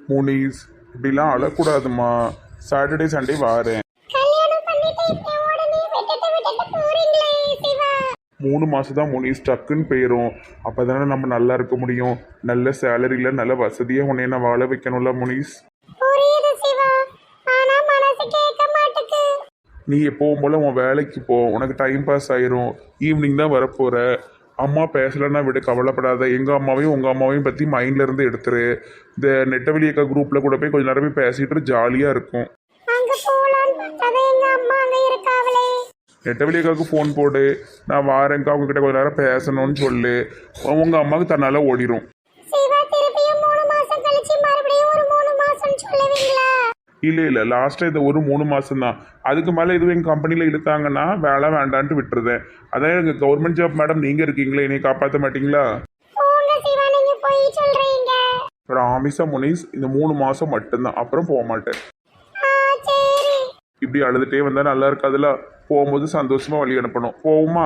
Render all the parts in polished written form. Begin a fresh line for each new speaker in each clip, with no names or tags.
முனிஸ் இப்படிலாம் அழக்கூடாதுமா. Saturday Sunday வாரேன்.
கல்யாணம் பண்ணிட்டு இப்படி உடனே விட்டுட்டு போறீங்களே சிவா.
3 மாதம் தான் முனிஸ், டக்குன்னு போயிடும். அப்போ தானே நம்ம நல்லா இருக்க முடியும். நல்ல சேலரியில் நல்ல வசதியாக உன்னை நான் வாழ வைக்கணும்ல முனிஸ்.
புரியுது சிவா, ஆனா மனசு கேட்க மாட்டுக்கு.
நீ எப்பவும் போல் உன் வேலைக்கு போ, உனக்கு டைம் பாஸ் ஆயிரும். ஈவினிங் தான் வரப்போகிற. அம்மா பேசலைன்னா விட கவலைப்படாத. எங்கள் அம்மாவையும் உங்கள் அம்மாவையும் பற்றி மைண்டில் இருந்து எடுத்துரு. இந்த நெட்டவெளியக்கா குரூப்பில் கூட போய் கொஞ்ச நேரம் போய் பேசிட்டு ஜாலியாக இருக்கும்.
அங்க போலான்னு பார்த்தா எங்க அம்மா அங்க இருக்காவளே.
நெட்டவெளியக்காவுக்கு ஃபோன் போடு, நான் வாரேங்க்கா அவங்ககிட்ட கொஞ்ச நேரம் பேசணும்னு சொல்லு. உங்கள் அம்மாவுக்கு தன்னால் ஓடிடும்.
சிவா, திருப்பியும் 3 மாசம் கழிச்சு மறுபடியும் ஒரு 3 மாசம் சொல்லுவீங்களா?
இல்லை லாஸ்ட்டாக இது ஒரு 3 மாதம் தான். அதுக்கு மேலே எதுவும் எங்கள் கம்பெனியில் இழுத்தாங்கன்னா வேலை வேண்டான்ட்டு விட்டுருதேன். அதான் எனக்கு கவர்மெண்ட் ஜாப் மேடம், நீங்கள் இருக்கீங்களே, என்னை காப்பாற்ற மாட்டீங்களா?
போங்க சிவா, நீங்க போய் சொல்றீங்க.
ராமிசா முனிஸ், இந்த 3 மாதம் மட்டும்தான், அப்புறம் போக மாட்டேன்.
சரி.
இப்படி அழுதுகிட்டே வந்தால் நல்லா இருக்காதுல்ல. போகும்போது சந்தோஷமாக வழி அனுப்பணும். போகுமா?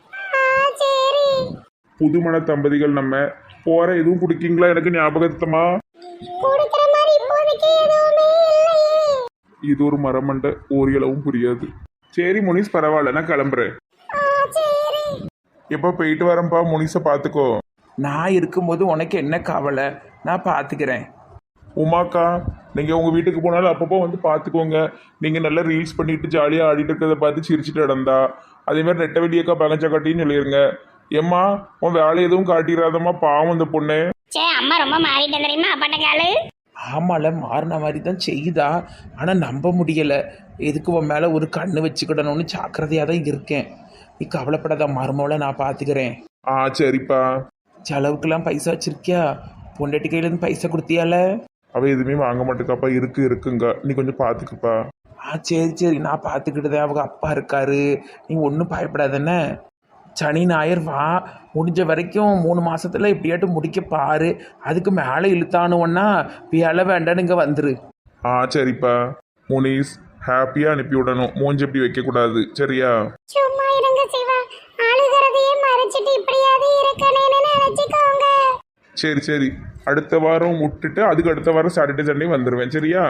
சரி.
புதுமண தம்பதிகள் நம்ம போகிற எதுவும் குடிக்கீங்களா? எனக்கு ஞாபகத்தமா.
கொடுக்கிற மாதிரி இப்போதைக்கு எதுவுமே இல்லையே.
இது ஒரு மரமண்டை, ஒரு இளவும் புரியாது. சரி முனிஸ், பரவாயில்ல, நான் கிளம்புறேன்.
சரி.
எப்போ போயிட்டு வரேன்ப்பா. முனிஸை பார்த்துக்கோ.
நான் இருக்கும்போது உனக்கு என்ன கவலை, நான் பார்த்துக்கிறேன்.
உமாக்கா, நீங்கள் உங்கள் வீட்டுக்கு போனாலும் அப்பப்போ வந்து பார்த்துக்கோங்க. நீங்கள் நல்லா ரீல்ஸ் பண்ணிட்டு ஜாலியாக ஆடிட்டு இருக்கிறத பார்த்து சிரிச்சிட்டு இடந்தா. அதேமாதிரி நெட்டவெளியக்கா பகச்சக்காட்டின்னு சொல்லிடுங்க. ஏம்மா, உன் வேலை எதுவும் காட்டிடாதம்மா, பாவம் இந்த பொண்ணு.
சே, அம்மா ரொம்ப மாறிட்டேன் தெரியுமா அப்பாட்ட காலு.
ஆமால, மாறின மாதிரி தான் செய்யுதா, ஆனால் நம்ப முடியலை. எதுக்கு உன் மேலே ஒரு கண்ணு வச்சுக்கிடணும்னு ஜாக்கிரதையாக தான் இருக்கேன். நீ கவலைப்படாத, மருமவளை நான் பார்த்துக்கிறேன்.
சரிப்பா.
செலவுக்கெல்லாம் பைசா வச்சிருக்கியா? பொண்டாட்டி கையிலேருந்து பைசா கொடுத்தியால?
அவள் எதுவுமே வாங்க மாட்டேக்காப்பா. இருக்குங்க, நீ கொஞ்சம் பார்த்துக்குப்பா.
சரி, நான் பார்த்துக்கிட்டுதேன். அவங்க அப்பா இருக்காரு, நீ ஒன்றும் பயப்படாதண்ணே. சனி ஞாயிறு வா, முடிஞ்ச வரைக்கும் 3 மாசத்துல எப்படியாட்டும் முடிக்க பாரு. அதுக்கு மேலே இழுத்தானுவன்னா வேலை வேண்டான்னு இங்கே வந்துரு.
சரிப்பா. முனிஸ், ஹாப்பியாக அனுப்பி விடணும். மூஞ்சி எப்படி வைக்கக்கூடாது, சரியா?
சும்மா இருங்க சிவா, அழுகிறதையே மறைச்சிட்டு இப்படியாவது இருக்கணும்னு நினைச்சுக்கோங்க.
சரி, அடுத்த வாரம் விட்டுட்டு அதுக்கு அடுத்த வாரம் சாட்டர்டே சண்டே வந்துடுவேன், சரியா?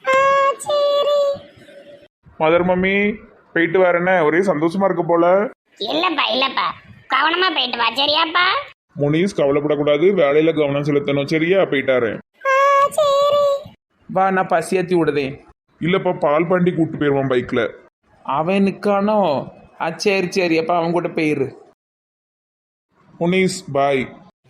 சரி.
மதர் மம்மி, போயிட்டு வரேனே. ஒரே சந்தோஷமா இருக்க போல.
இல்லப்பா, கவனமா போயிட்டு வா, சரியாப்பா?
முனிஸ், கவலைப்படக்கூடாது, வேலையில கவனம் செலுத்தணும், சரியா? போயிட்டாரு.
சரி.
வா, நான் பசியாத்தி விடுதேன்.
இல்லப்பா, பால் பாண்டி கூப்பிட்டு போயிடுவான் பைக்ல.
அவன் நிற்கானோ? சரி, அப்போ அவன் கூட போயிரு.
முனிஸ், பாய்.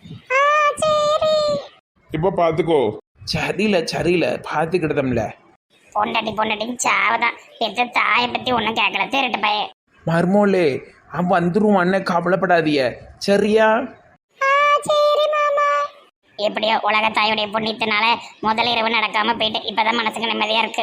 சரி.
இப்போ பார்த்துக்கோ.
சரியில்ல பார்த்துக்கிட்டதம்ல.
பொண்டாட்டி சாவதான். பெற்ற தாயை பத்தி ஒன்றும் கேட்கல. திருட்டு பைய.
மர்மோலே, அவன் வந்துருவான், கவலைப்படாதிய, சரியா?
சரி மாமா. எப்படியோ உலக தாயுடைய புண்ணியத்தினால முதல் இரவு நடக்காம போயிட்டு இப்பதான் மனசுக்கு நிம்மதியா இருக்கு.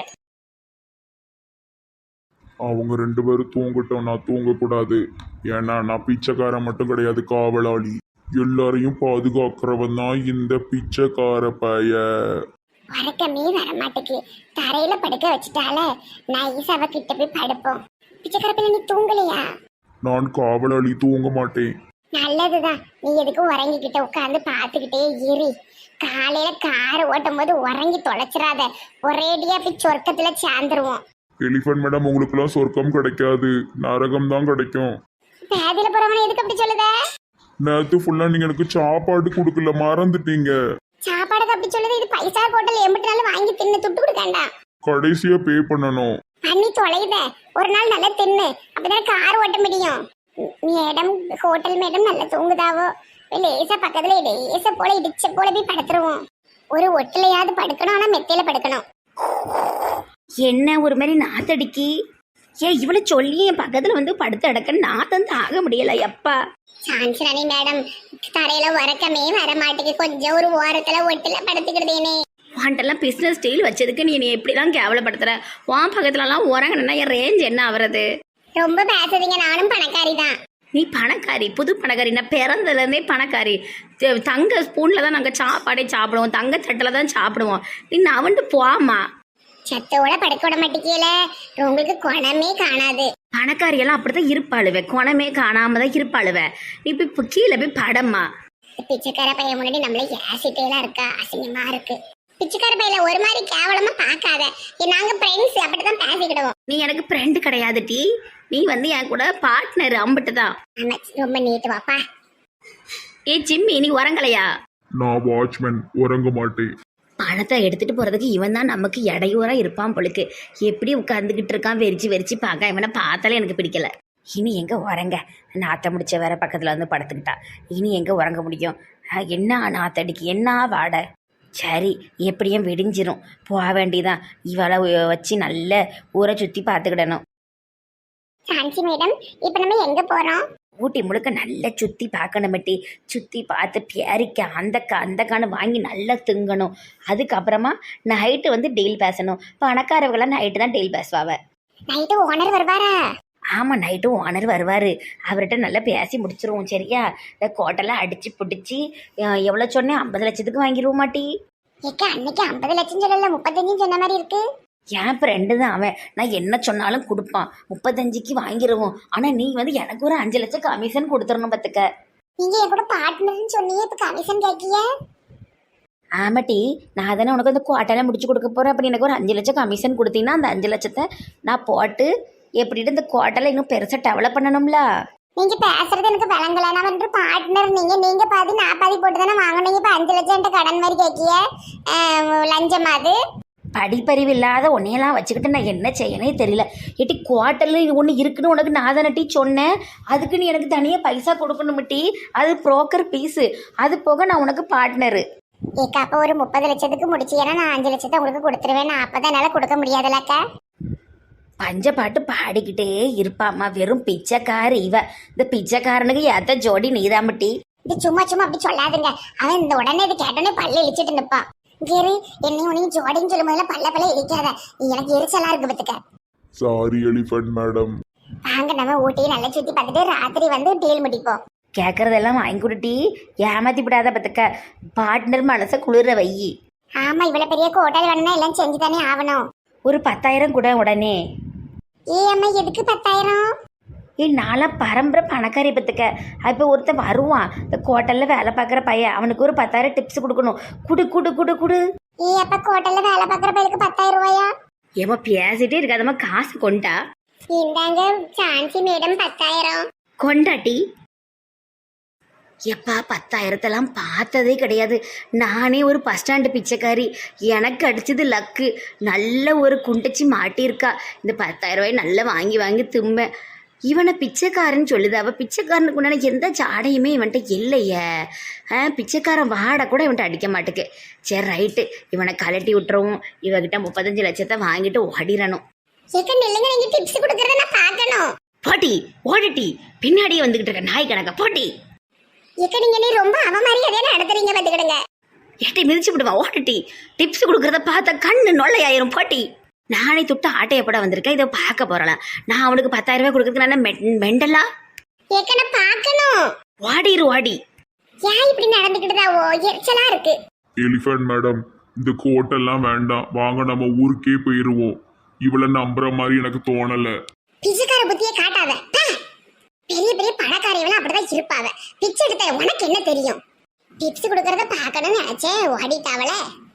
அவங்க 2 பேரும் தூங்கட்டும், நான் தூங்கக்கூடாது. ஏன்னா நான் பிச்சைக்காரன் மட்டும் கிடையாது, காவலாளி. எல்லாரையும் பாதுகாக்கிறவன் தான் இந்த பிச்சைக்கார பைய.
வரக்கமே வர மாட்டேக்கு. தரையில படுக்க வச்சுட்டால நைஸ் அவ கிட்ட போய் படுப்போம். பிச்சைக்கார பிள்ளை, நீ தூங்கலையா?
நான் காவலாளி, தூங்க மாட்டேன்.
நல்லதுதான். நீ எதுக்கும் உறங்கிக்கிட்ட உட்காந்து பார்த்துக்கிட்டே இரு. காலையில கார் ஓட்டும் போது உறங்கி தொலைச்சிடாத. ஒரேடியா போய் சொர்க்கத்துல சேர்ந்துருவோம்.
எலிஃபன்ட் மேடம், உங்களுக்குலாம் சொர்க்கம் கிடைக்காது, நரகம் தான் கிடைக்கும்.
பேதியில போறவன எதுக்கு அப்படி சொல்லுத?
நேற்று ஃபுல்லாக நீங்கள் எனக்கு சாப்பாடு கொடுக்கல, மறந்துட்டீங்க.
சாப்பாடுக்கு அப்படி சொல்லுது. இது பைசா ஹோட்டல் எம்பிட்டு நாள் வாங்கி தின்னு துட்டு கொடுக்கண்டா.
கடைசியாக பே பண்ணணும்.
பண்ணி தொலைத. ஒரு நாள் நல்லா தின்னு, அப்பதான் கார் ஓட்ட முடியும். மேடம், ஹோட்டல் மேடம் நல்லா தூங்குதாவோ? லேசா பக்கத்துல லேசா போல இடிச்ச போல போய் படுத்துருவோம். ஒரு ஒட்டிலையாவது படுக்கணும், ஆனா மெத்தையில படுக்கணும்.
என்ன ஒரு மாதிரி நாத்தடிக்கி? இவளை சொல்லி என் பக்கத்துல வந்து படுத்து அடக்க நாத்தம் தாங்க முடியல. எப்பா
சான்சராணி மேடம், தரையில உறக்கமே வர மாட்டேங்குது. கொஞ்சம் ஒரு ஓரத்துல ஒட்டில படுத்துக்கிட்டேனே.
வாண்டெல்லாம் பிஸ்னஸ் ஸ்டைல் வச்சதுக்கு நீ எப்படிலாம் கேவலப்படுத்துற? உன் பக்கத்துலலாம் உறங்கணுன்னா என் ரேஞ்ச் என்ன ஆகுறது?
ரொம்ப பேசுறீங்க, நானும் பணக்காரி தான்.
நீ பணக்காரி, புது பணக்காரி. நான் பிறந்ததுலேருந்தே பணக்காரி. தங்க ஸ்பூனில் தான் நாங்கள் சாப்பாடே சாப்பிடுவோம், தங்க தட்டில் தான் சாப்பிடுவோம். நீ நவண்டு போமா.
சத்தோட படுக்க விட மாட்டேங்கல. உங்களுக்கு குணமே காணாது.
பணக்காரியெல்லாம் அப்படிதான் இருப்பாளுவே, குணமே காணாம தான் இருப்பாளுவே. நீ இப்போ கீழே போய் படம்மா.
பிச்சைக்கார பையன் முன்னாடி நம்மள ஏசிட்டேலாம் இருக்கா, அசிங்கமா இருக்கு. பிச்சைக்கார பையில ஒரு மாதிரி கேவலமா பார்க்காத. நாங்க ஃப்ரெண்ட்ஸ் அப்படிதான் பேசிக்கிடுவோம்.
நீ எனக்கு ஃப்ரெண்டு கிடையாது டி, நீ வந்து என் கூட பார்ட்னர் அம்பிட்டு தான்.
ஆமா, ரொம்ப நீட்டு வாப்பா.
ஏ ஜிம்மி, நீ உறங்கலையா?
நான் வாட்ச்மேன், உறங்க மாட்டேன்.
பணத்தை எடுத்துட்டு போறதுக்கு இவன் தான் நமக்கு இடையூறா இருப்பான் பொழுக்கு. எப்படி உட்காந்துக்கிட்டு இருக்கான் வெறிச்சு வெறிச்சு பார்க்க, இவனை பார்த்தாலே எனக்கு பிடிக்கல. இனி எங்க உறங்க, நாத்த முடிச்ச வேற பக்கத்துல வந்து படுத்துக்கிட்டா. இனி எங்க உறங்க முடியும்? என்ன நாத்தடிக்கு, என்ன வாடை. சரி, எப்படியும் விடிஞ்சிரும், போக வேண்டியதான். இவளை வச்சு நல்ல ஊரை சுத்தி பார்த்துக்கிடணும்.
சாந்தி மேடம், இப்ப நம்ம எங்க போறோம்?
ஊட்டி முழுக்க நல்லா சுற்றி பார்க்கணுமெட்டி. சுற்றி பார்த்து பேரிக்க அந்தக்கான்னு வாங்கி நல்லா திங்கணும். அதுக்கப்புறமா நைட்டு வந்து டீல் பேசணும். பணக்காரவங்களாம் நைட்டு தான் டீல் பேசுவாவ.
நைட்டு ஓனர் வருவாரா?
ஆமாம், நைட்டு ஓனர் வருவார். அவர்கிட்ட நல்லா பேசி முடிச்சிருவோம். சரியா? இந்த கோட்டெல்லாம் அடித்து பிடிச்சி எவ்வளோ சொன்னேன், 50 லட்சத்துக்கு வாங்கிடுவோம் மாட்டி.
ஏக்க, அன்னைக்கு 50 லட்சம் சொல்லல, 35 சொன்ன மாதிரி இருக்கு.
என் ஃப்ரெண்டு தான் அவன். நான் என்ன சொன்னாலும் கொடுப்பான். 35க்கு வாங்கிடுவோம். ஆனால் நீ வந்து எனக்கு ஒரு 5 லட்சம் கமிஷன் கொடுத்துடணும் பார்த்துக்க.
நீங்க என் கூட பார்ட்னர்னு சொன்னீங்க, இப்ப கமிஷன் கேட்கிய?
ஆமாட்டி, நான் தானே உனக்கு அந்த குவாட்டெல்லாம் முடிச்சு கொடுக்க போகிறேன். அப்படி எனக்கு ஒரு 5 லட்சம் கமிஷன் கொடுத்தீங்கன்னா அந்த 5 லட்சத்தை நான் போட்டு எப்படிட்டு இந்த குவாட்டெல்லாம் இன்னும் பெருசாக டெவலப் பண்ணணும்ல.
நீங்க பேசுறது எனக்கு விளங்கல. நான் வந்து பார்ட்னர், நீங்க பாதி நான் பாதி போட்டு தானே வாங்கினீங்க. இப்ப 5 லட்சம் கடன் மாதிரி கேட்கிய, லஞ்சம் அது.
படிப்பறிவு இல்லாத உன்னையெல்லாம் வச்சுக்கிட்டு நான் என்ன செய்யனே தெரியல. ஏட்டி, குவார்ட்டரில் ஒன்று இருக்குன்னு உனக்கு நான் தானே டீ சொன்னேன். அதுக்கு நீ எனக்கு தனியாக பைசா கொடுக்கணும் டீ. அது புரோக்கர் பீஸு. அது போக நான் உனக்கு பார்ட்னரு.
ஏக்கா, அப்போ ஒரு 30 லட்சத்துக்கு முடிச்சு, ஏன்னா நான் 5 லட்சத்தை உங்களுக்கு கொடுத்துருவேன். நான் அப்பதான் என்னால கொடுக்க முடியாதுல்லக்கா.
பஞ்ச பாட்டு பாடிக்கிட்டே இருப்பாம்மா. வெறும் பிச்சைக்காரி இவ. இந்த பிச்சைக்காரனுக்கு ஏத்த ஜோடி நீதாமட்டி.
இது சும்மா அப்படி சொல்லாதுங்க. அவன் இந்த உடனே இது கேட்டோன்னே பல்ல இழிச்சிட்டு நிப்பான். கேரு, என்னையும் உனையும் ஜோடின்னு சொல்லும் போதுல பல்ல இழிக்காத. எனக்கு எரிச்சலா இருக்கு பத்துக்க.
Sorry elephant madam.
வாங்க, நம்ம ஊட்டியை நல்லா சுத்தி பார்த்துட்டு ராத்திரி வந்து டீல் முடிப்போம்.
கேட்கறதெல்லாம் வாங்கி கொடுட்டி, ஏமாத்தி விடாத பத்துக்க. பார்ட்னர் மனசை குளிர வை.
ஆமா, இவ்வளவு பெரிய ஹோட்டல் வேணும்னா எல்லாம் செஞ்சு தானே ஆகணும்.
ஒரு 10,000 கூட உடனே.
அம்மா, எதுக்கு 10,000?
நான்லாம் பரம்பரை பணக்காரி பத்துக்க. இப்போ ஒருத்தன் வருவான், இந்த ஹோட்டலில் வேலை பார்க்குற பையன். அவனுக்கு ஒரு 10,000 டிப்ஸ் கொடுக்கணும். குடு குடு குடு குடு.
அப்ப ஹோட்டல்ல வேலை பார்க்குற பையனுக்கு 10,000 ரூபாயா?
ஏமா பேசிட்டே இருக்காதம்மா, காசு கொண்டா.
இந்தாங்க சான்சி மேடம், 10,000
கொண்டாட்டி. எப்பா, 10,000 பார்த்ததே கிடையாது. நானே ஒரு பஸ் ஸ்டாண்டு பிச்சைக்காரி. எனக்கு அடிச்சது லக்கு. நல்ல ஒரு குண்டச்சி மாட்டியிருக்கா. இந்த 10,000 ரூபாய் நல்லா வாங்கி வாங்கி தும்ப. இவனை பிச்சைக்காரன்னு சொல்லுது. அவள் பிச்சைக்காரனுக்கு உண்டான எந்த சாடையுமே இவன்கிட்ட இல்லையே. பிச்சைக்காரன் வாடை கூட இவன்கிட்ட அடிக்க மாட்டுக்கு. சரி, ரைட்டு, இவனை கலட்டி விட்டுருவோம். இவகிட்ட 35 லட்சத்தை வாங்கிட்டு ஓடிடணும்.
நில்லுங்க, நீங்க டிப்ஸ் கொடுக்கறத நான் பார்க்கணும்.
போட்டி ஓடிட்டி, பின்னாடியே வந்துகிட்டு இருக்க நாய் கணக்கா போட்டி.
நீங்க நீ ரொம்ப அவமாரியாதையா நடத்துறீங்க பாத்துக்கிடுங்க.
ஏட்டை மிதிச்சு விடுவான். ஓடிட்டி, டிப்ஸ் கொடுக்கறத பார்த்தா கண்ணு நொல்லையாயிரும். போட்டி, நானே தொட்டு ஆட்டைய போட வந்திருக்கேன். இதை பார்க்க போறலாம். நான் அவனுக்கு 10,000 ரூபாய் கொடுக்கறதுக்கு நான் மெண்டலா?
நான் பார்க்கணும்.
வாடிரு வாடி.
ஏன் இப்படி நடந்துக்கிட்டுதாவோ? எரிச்சலா இருக்கு.
எலிஃபண்ட் மேடம், இந்த கோட்டெல்லாம் வேண்டாம், வாங்க நம்ம ஊருக்கே போயிருவோம். இவளை நம்புற மாதிரி எனக்கு தோணல.
பிச்சைக்கார புத்தியை காட்டாத. பெரிய பெரிய பணக்காரியெல்லாம் அப்படிதான் இருப்பாவ. பிச்சை எடுத்த உனக்கு என்ன தெரியும்? டிப்ஸ் கொடுக்கறத பார்க்கணும்னு நினைச்சேன், ஓடிட்டாவல.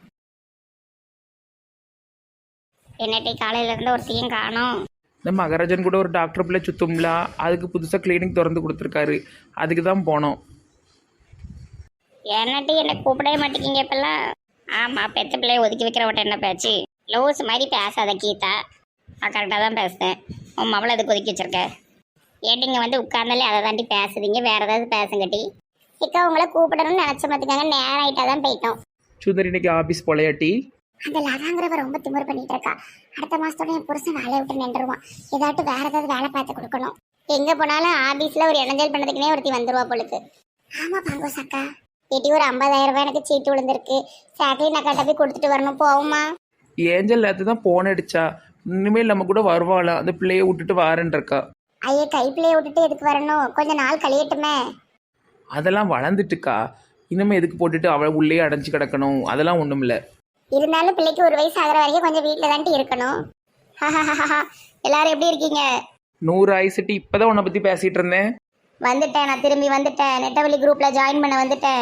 என்னட்டி, காலையில இருந்து ஒரு தீயும் காணும்.
இந்த மகராஜன் கூட ஒரு டாக்டர் பிள்ளை சுத்தும்ல, அதுக்கு புதுசாக கிளினிக் திறந்து கொடுத்துருக்காரு. அதுக்கு தான் போனோம்.
என்னட்டி, என்னை கூப்பிடவே மாட்டேங்கிங்க இப்பெல்லாம்? ஆமா, பெத்த பிள்ளைய ஒதுக்கி வைக்கிறவட்ட என்ன பேச்சு? லோஸ் மாதிரி பேசாத கீதா. நான் கரெக்டாக தான் பேசுறேன். உன் மவளை அதுக்கு ஒதுக்கி வச்சிருக்க. ஏட்டிங்க வந்து உட்கார்ந்தாலே அதை தாண்டி பேசுறீங்க. வேற ஏதாவது பேசுங்கட்டி. இக்கா, உங்களை கூப்பிடணும்னு நினைச்ச பார்த்துக்காங்க, நேரம் ஆயிட்டா தான் போயிட்டோம்.
சுந்தரி இன்னைக்கு ஆஃபீஸ் போலையாட்டி?
அந்த லதாங்கிறவ ரொம்ப திமிரு பண்ணிட்டு இருக்கா. அடுத்த மாசத்தோட என் புருஷன் வேலையை விட்டு நின்றுவான். ஏதாட்டும் வேற ஏதாவது வேலை பார்த்து கொடுக்கணும். எங்க போனாலும் ஆபீஸ்ல ஒரு இணைஞ்சல் பண்ணதுக்குனே ஒருத்தி வந்துருவா பொழுது. ஆமா பங்கோஸ் அக்கா, ஏட்டி ஒரு 50,000 ரூபாய் எனக்கு சீட்டு விழுந்திருக்கு. சாக்லின் அக்காட்ட போய் கொடுத்துட்டு வரணும். போகுமா?
ஏஞ்சல் நேற்று தான் போன் அடிச்சா. இனிமேல் நம்ம கூட வருவாளா, அந்த பிள்ளையை விட்டுட்டு வாரேன் இருக்கா.
ஐயே, கைப்பிள்ளைய விட்டுட்டு எதுக்கு வரணும்? கொஞ்ச நாள் கழியட்டுமே.
அதெல்லாம் வளர்ந்துட்டுக்கா. இனிமே எதுக்கு போட்டுட்டு அவளை உள்ளே அடைஞ்சு கிடக்கணும்? அதெல்லாம் ஒன்றும் இல்லை.
இருந்தாலும் பிள்ளைக்கு ஒரு வயசு ஆகிற வரைக்கும் கொஞ்சம் வீட்டில் தான்ட்டு இருக்கணும். எல்லாரும் எப்படி இருக்கீங்க?
100 ஆயிடுச்சுட்டு. இப்போதான் உன்னை பற்றி பேசிகிட்டு இருந்தேன்.
வந்துட்டேன், நான் திரும்பி வந்துட்டேன். நெட்டவழி குரூப்ல ஜாயின் பண்ண வந்துட்டேன்.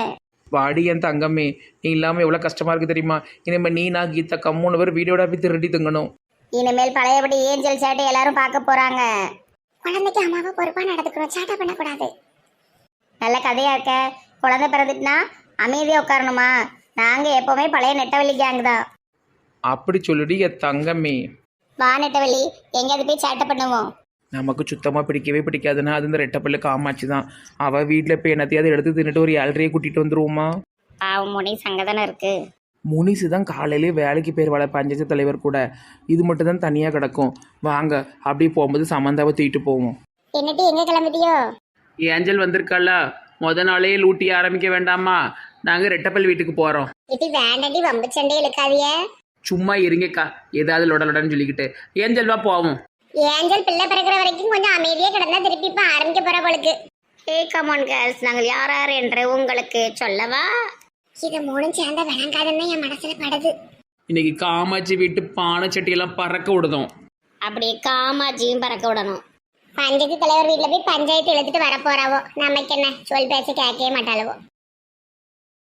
வாடி என் தங்கமே, நீ இல்லாமல் எவ்வளோ கஷ்டமாக இருக்குது தெரியுமா? இனிமேல் நீ நான் கீதா கம்முன்னு பேர் வீடியோட போய் திருடி திங்கணும்.
இனிமேல் பழையபடி ஏஞ்சல் சேட்டை எல்லாரும் பார்க்க போறாங்க. குழந்தைக்கு அம்மாவை பொறுப்பா நடந்துக்கணும், சேட்டை பண்ணக்கூடாது. நல்ல கதையா இருக்க. குழந்தை பிறந்துட்டுனா அமைதியா உட்காரணுமா? நாங்க எப்பவுமே பழைய நெட்டவள்ளி கேங் தான்.
அப்படி சொல்லிடு என் தங்கமே.
வா நெட்டவள்ளி, எங்கேயாவது போய் சேட்டை பண்ணுவோம்.
நமக்கு சுத்தமாக பிடிக்கவே பிடிக்காதுன்னா அது இந்த ரெட்டப்பள்ளு காமாச்சு தான். அவள் வீட்டில் இப்போ என்னத்தையாவது எடுத்து தின்னுட்டு ஒரு 7:30 கூட்டிகிட்டு வந்துருவோமா?
பாவம் முனி சங்கதானே இருக்கு.
முனிசு தான் காலையிலே வேலைக்கு பேர் வள பஞ்சாயத்து தலைவர் கூட. இது மட்டும் தான் தனியாக கிடக்கும். வாங்க அப்படியே போகும்போது சமந்தாவை தூக்கிட்டு போவோம்.
என்னட்டி எங்க கிளம்பிட்டியோ?
ஏஞ்சல் வந்திருக்காளா? முத நாளே லூட்டி ஆரம்பிக்க வேண்டாமா? நாங்கள் ரெட்டப்பல் வீட்டுக்கு போகிறோம்.
இது வேண்டாட்டி வம்பு சண்டை இழுக்காதிய.
சும்மா இருங்கக்கா, ஏதாவது லொடலொடன்னு சொல்லிக்கிட்டு. ஏஞ்சல் வா போவோம்.
ஏஞ்சல் பிள்ளை பிறக்கிற வரைக்கும் கொஞ்சம் அமைதியா கிடந்தா திருப்பி இப்ப ஆரம்பிக்க போற போலுக்கு. ஹே கமான் கேர்ள்ஸ், நாங்கள் யார் யார் என்று உங்களுக்கு சொல்லவா? இது மூணும் சேர்ந்த விளங்காதுன்னு என் மனசுல படுது.
இன்னைக்கு காமாட்சி வீட்டு பானை சட்டியெல்லாம் பறக்க விடுதோம்.
அப்படியே காமாட்சியும் பறக்க விடணும். பஞ்சாயத்து தலைவர் வீட்டுல போய் பஞ்சாயத்து இழுத்துட்டு வர போறாவோ. நமக்கு என்ன, சொல் பேச கேட்கவே மாட்டாளவோ.